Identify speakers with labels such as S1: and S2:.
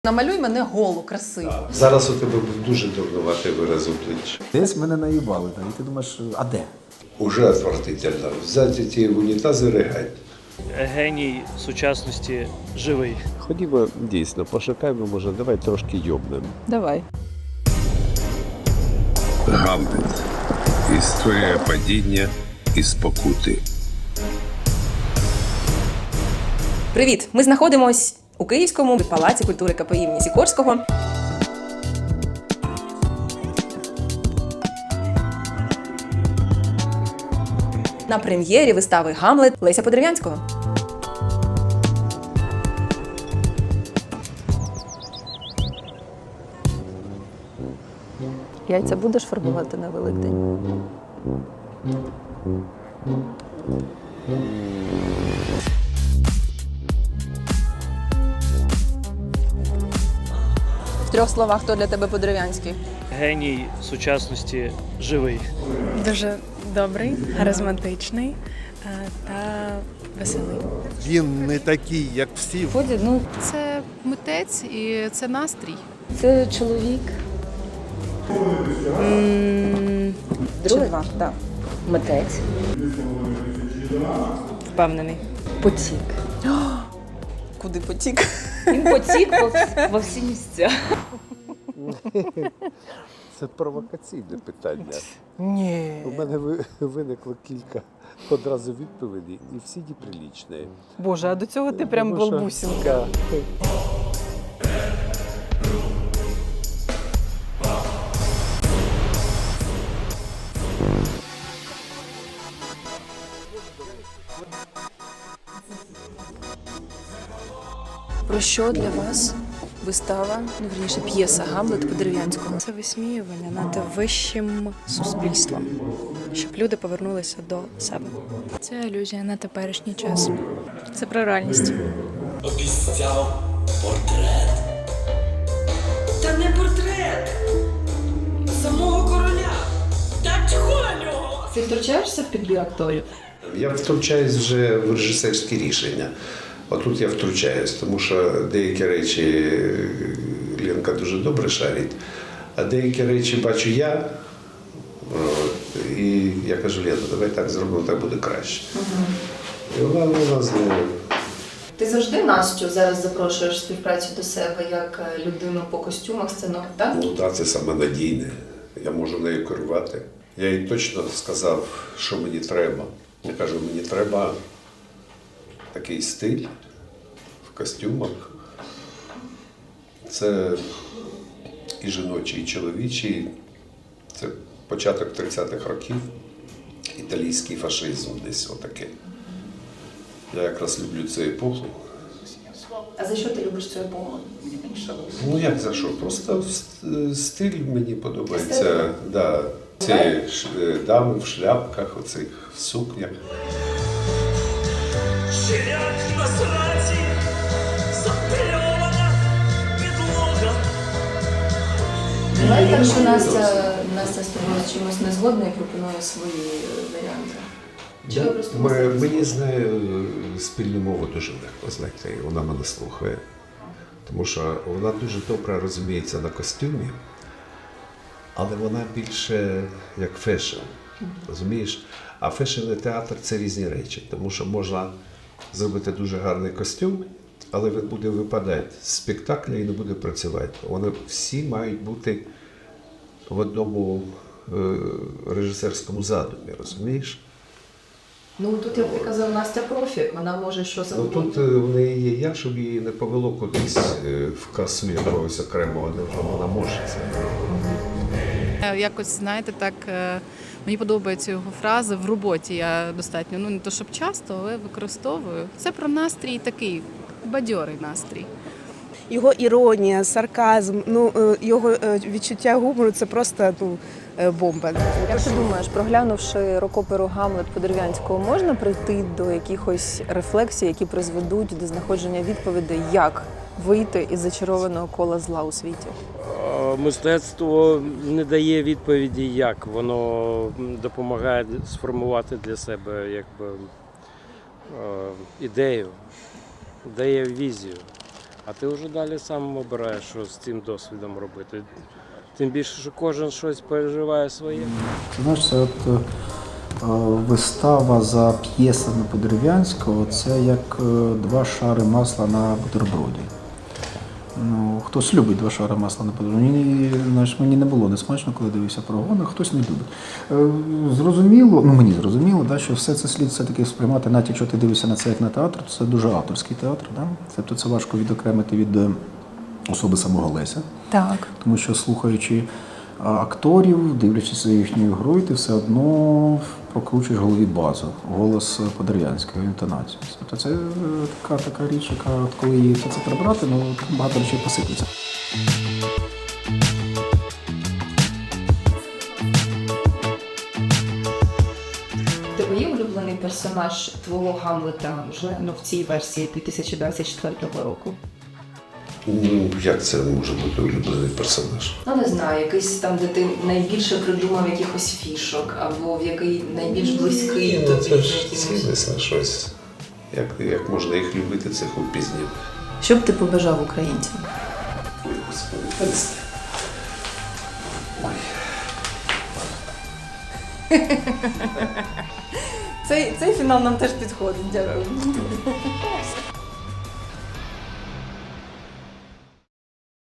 S1: Намалюй мене голу, красиво.
S2: Зараз у тебе був дуже дурнуватий вираз обличчя.
S3: Десь мене наїбали, і ти думаєш, а де?
S2: Уже отвратительно. Взяти ті в унітаз і ригать.
S4: Геній сучасності живий.
S5: Ходімо дійсно, пошукаємо, може, давай трошки йобнемо.
S1: Давай.
S6: Гамлет. Історія падіння і спокути.
S7: Привіт! Ми знаходимось у Київському палаці культури КПІ імені Сікорського. На прем'єрі вистави «Гамлет» Леся Подерев'янського.
S1: Яйця будеш фарбувати на Великдень? В 3 словах, хто для тебе Подерев'янський?
S4: Геній сучасності живий.
S8: Дуже добрий, харизматичний та веселий.
S9: Він не такий, як всі.
S8: Це митець і це настрій.
S10: Це чоловік.
S7: Друге? Два, так.
S10: Митець.
S7: Впевнений.
S10: Потік.
S7: Куди потік?
S10: Він потік во всі місця.
S5: Це провокаційне питання.
S1: Ні.
S5: У мене виникло кілька одразу відповідей, і всі неприлічні.
S1: Боже, а до цього ти прям
S5: Тому що-
S1: балбусінка.
S7: Про що для вас вистава, вірніше, п'єса «Гамлет» Подерев'янського?
S8: Це висміювання над вищим суспільством, щоб люди повернулися до себе. Це алюзія на теперішній час. Це про реальність.
S11: Обіцяв портрет. Та не портрет самого короля. Та чого на нього?
S10: Ти втручаєшся в підбір акторів?
S2: Я втручаюсь вже в режисерські рішення. Отут я втручаюсь, тому що деякі речі Ленка дуже добре шарить, а деякі речі бачу я. І я кажу, Лена, давай так зробимо, так буде краще. І вона знову.
S10: Ти завжди Настю зараз запрошуєш в співпрацю до себе як людину по костюмах, сценок, так?
S2: Ну так, це саме надійне. Я можу нею керувати. Я їй точно сказав, що мені треба. Я кажу, мені треба такий стиль в костюмах. Це і жіночий, і чоловічий. Це початок 30-х років. Італійський фашизм десь отаке. Я якраз люблю цю епоху.
S10: А за що ти любиш цю епоху?
S2: Ну як за що? Просто стиль мені подобається. Да. Ці дами в шляпках, оцих в сукнях.
S11: Ширяк на сраці, запильована підлога.
S10: Буває так, що Настя з тобою з чимось не згодна і пропонує свої варіанти. Чи ви просто
S2: Мені з нею спільну мову дуже легко знайти, вона мене слухає. Тому що вона дуже добре розуміється на костюмі, але вона більше як фешн, розумієш? А фешн і театр – це різні речі, тому що можна зробити дуже гарний костюм, але він буде випадати з спектакля і не буде працювати. Вони всі мають бути в одному режисерському задумі, розумієш?
S10: Ну тут, як ти казав, Настя профі, вона може що
S2: Ну
S10: завгодно.
S2: тут в неї є я, щоб її не повело кудись в касу якогось окремого, не вона може це.
S8: Якось, знаєте, так, мені подобається його фраза «в роботі я достатньо». Ну, не то, щоб часто, але використовую. Це про настрій такий, бадьорий настрій.
S12: Його іронія, сарказм, його відчуття гумору – це просто бомба.
S1: Як ти думаєш, проглянувши рок-оперу «Гамлет» Подерев'янського, можна прийти до якихось рефлексій, які призведуть до знаходження відповідей, як вийти із зачарованого кола зла у світі?
S4: Мистецтво не дає відповіді, як воно допомагає сформувати для себе якби ідею, дає візію. А ти вже далі сам обираєш, що з цим досвідом робити. Тим більше, що кожен щось переживає своє.
S3: Ти знаєш, це вистава за п'єсами Подерев'янського, це як 2 шари масла на бутерброді. Ну, хтось любить 2 шари масла на бутерброді. Мені не було несмачно, коли дивився прогон, а хтось не любить. Зрозуміло, мені зрозуміло, да, що все це слід все-таки сприймати, навіть якщо ти дивишся на це як на театр, то це дуже авторський театр. Да? Тобто це важко відокремити від особи самого Леся.
S1: Так.
S3: Тому що, слухаючи акторів, дивлячись за їхньою грою, ти все одно прокручуєш в голові базу, голос Подерев'янського, інтонацію. Тобто це така річ, яка коли її це прибрати, ну багато речей посиплеться.
S10: Тебе є улюблений персонаж твого Гамлета вже в цій версії 2024 року?
S2: Ну, як це може бути улюблений персонаж?
S10: Ну, не знаю, якийсь там, де ти найбільше придумав якихось фішок, або в який найбільш близький
S2: Ну,
S10: тобі.
S2: це ж цінність на щось. Як можна їх любити, цих упізнів?
S1: Що б ти побажав українцям?
S2: Ой, Господи, перестань. Ой.
S1: Цей фінал нам теж підходить. Дякую.